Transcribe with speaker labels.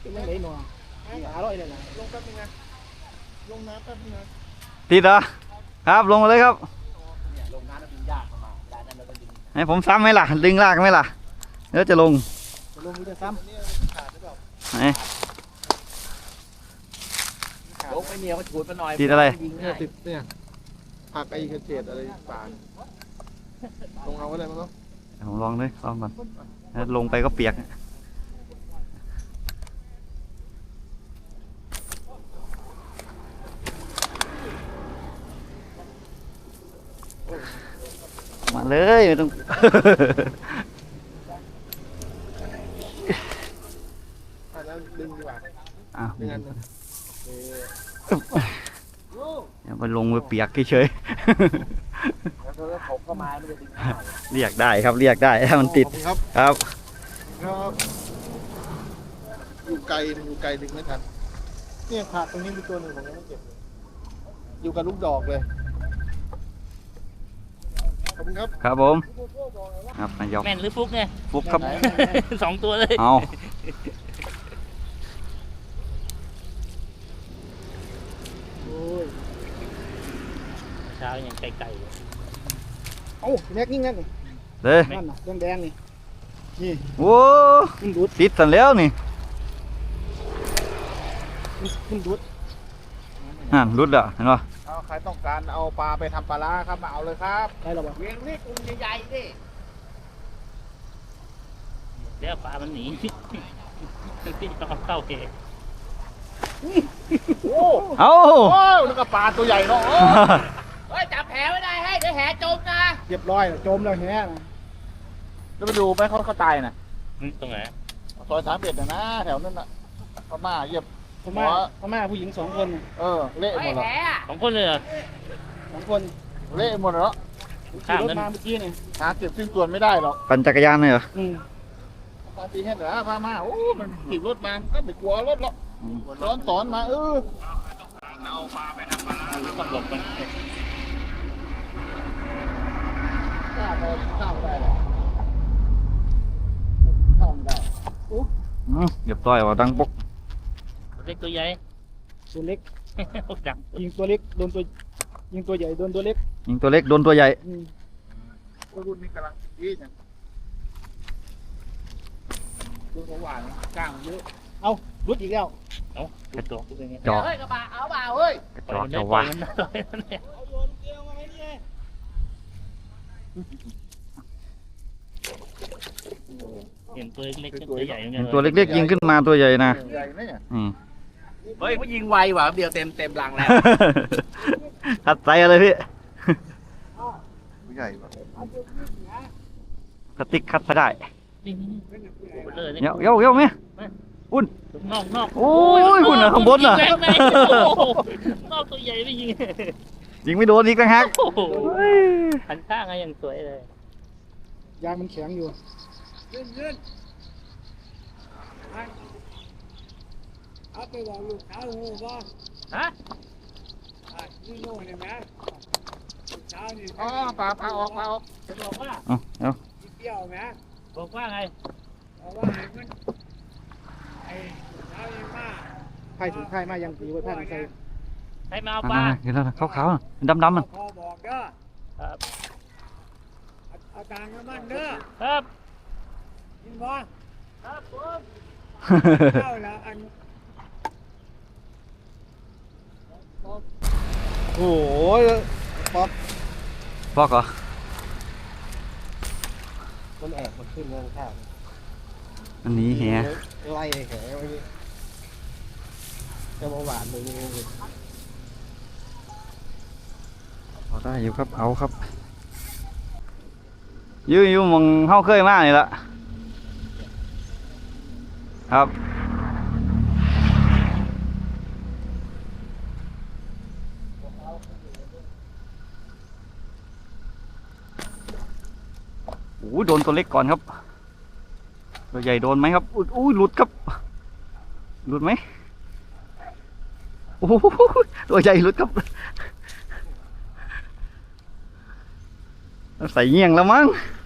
Speaker 1: ไม่ไหลหนัวอร่อยเลยนะลงแป๊บนึงนะลงน้ำแป๊บนึงนะ
Speaker 2: ติดเหรอครับลงมาเลยครับ
Speaker 1: ลงน้ำแล้วดึงยากเข้ามาได้นั่นแล้วก็ดึง
Speaker 2: ให้ผมซ้ำไหมล่ะดึงลากไหมล่ะเดี๋ยวจะลง
Speaker 1: จะซ้ำขาดหรือเปล่าลงไม่เหนียวมันฉูดมาหน่อย
Speaker 2: ติดอะไร
Speaker 1: ติดเนี่ยผักไอ้กระเจี๊ยบอะไรป่านลงเอาอะไรมั้งเนาะ
Speaker 2: ผมลองด้วยลองก่อนลงไปก็เปียกมาเลยไม่ต้อง
Speaker 1: แล้วดึงดีกว่า
Speaker 2: ดึงอย่าไปลงไปเปียกเฉยเรียกได้ครับเรียกได้ถ้ามันติดครับ
Speaker 1: อยู่ไกลดึงไม่ทันเนี่ยขาดตรงนี้มีตัวหนึ่งผมยังไม่เก็บอยู่กับลูกดอกเลยขอบคุณครับ
Speaker 2: ครับผมครับนายก
Speaker 3: แม่นหรือฟุกเนี่ย
Speaker 2: ฟุกครับ
Speaker 3: 2 ตัวเลย
Speaker 2: เอา
Speaker 3: เช้าอย่างไกลๆเลย
Speaker 1: โอ้แม็กนี่นั่นนี่
Speaker 2: เลย
Speaker 1: นั่นน่ะแดงนี่นี่
Speaker 2: โอ้ติดสันแล้วนี่
Speaker 1: มันดุด
Speaker 2: รุดอ่ะเห็นป่ะ
Speaker 1: ใครต้องการเอาปลาไปทำปลาร้าครับมาเอาเลยครับได้หรอเวียงนี่กุ้งใหญ่ๆดิ
Speaker 3: เดี๋ยวปลามันหนีพี่ต้องเข้าเอง
Speaker 1: โอ้นึกว่าปลาตัวใหญ่เนาะ
Speaker 3: เฮ้ยจับแหไม่ได้ให้เดี๋ยวแหจมนะ
Speaker 1: เรียบร้อยจมแล้วแหนะแล้วไปดูไหมเขาตายน่ะ
Speaker 3: ตรงไหน
Speaker 1: ซอย31นะแถวนั้นน่ะพม่าเหยียบพม่าผู้หญิง2 คนเละหมดแล้ว
Speaker 3: 2 คนเลยเหรอ
Speaker 1: 2 คนเละหมดแล้วขี่รถมาเมื่อกี้นี่หาเก็บซึ่งตัวไม่ได้หรอก
Speaker 2: ปั่นจักรยานเลยเหรอ
Speaker 1: ปาตีให้เหรอพม่าโอ้มันขี่รถมาก็ไม่กลัวรถหรอกสอนมาเอาปลาไปทำปลาต้องหลบมันข้าวได้หรอข้าวได้
Speaker 2: เรียบร้อยว่าดังปก
Speaker 3: เล็กตัวใหญ่
Speaker 1: ตัวเล็กยิงตัวเล็กโดนตัวยิงตัวใหญ่โดนตัวเล็ก
Speaker 2: ยิงตัวเล็กโดนตัวใหญ่
Speaker 1: รุ่นนี้กำลังดีเนี่ยดูหวานกลางเยอะเอารุดอีกแล้ว
Speaker 3: กระจก
Speaker 1: เฮ้ยกระบะเอาเปล่าเฮ้ย
Speaker 2: กระจอกจะว่า
Speaker 3: เห็นตัวเล็กตัวใหญ่
Speaker 2: ตัวเล็กๆยิงขึ้นมาตัวใหญ่นะ
Speaker 1: เฮ้ยเขายิงไวว่ะเดียวเต็มรังแล้ว
Speaker 2: ขัดใจอะไรพี่
Speaker 1: ใหญ่
Speaker 2: สติ๊กคัดไปได้
Speaker 3: เ
Speaker 2: ยอะไหมอุ่น
Speaker 3: นอก
Speaker 2: โอ้ยหุ่นข้างบนน่ะ
Speaker 3: นอกตัวใหญ่ไม่
Speaker 2: ยิงไม่โดนอีกนะฮะ
Speaker 3: หันข้างไงยังสวยเลย
Speaker 1: ยางมันแข็งอยู่ยื่นเอาไปบอกลูกสาวหูบ่
Speaker 3: ฮะ
Speaker 1: นี่โน่นเนี่ยแม่ลูกสาวนี่ปลาออก
Speaker 3: จะบอกว่า
Speaker 2: เอา
Speaker 1: เที่ยวแม่
Speaker 3: บอกว่าไง
Speaker 1: บอกว่ามันไอ้สาวนี่มาไผ่ถึงไผ่มายังตีไว้ไผ่ใส่
Speaker 3: ไผ่มาเอาปลา
Speaker 2: เห็นแล้วขาวๆดำๆมัน
Speaker 1: พอบอกเด้อ
Speaker 3: ครับ
Speaker 1: เอาตังค์มันเด้อ
Speaker 3: ครับ
Speaker 1: ยินบ่ครับผมเข้าแล้วอันโอ้ย
Speaker 2: ฟอกเหรอ
Speaker 1: มันแอบมันขึ้นมาข้าง
Speaker 2: อันนี้แห
Speaker 1: ไล่แหไว้จะมาหวานเลย
Speaker 2: เอาได้อยู่ครับเอาครับอยู่มองเข้าเคยมากเลยละครับโอ้โดนตัวเล็กก่อนครับตัวใหญ่โดนไหมครับอุ้ยหลุดครับหลุดไหมโอ้ตัวใหญ่หลุดครับใส่เงี้ยงแล้วมั้ง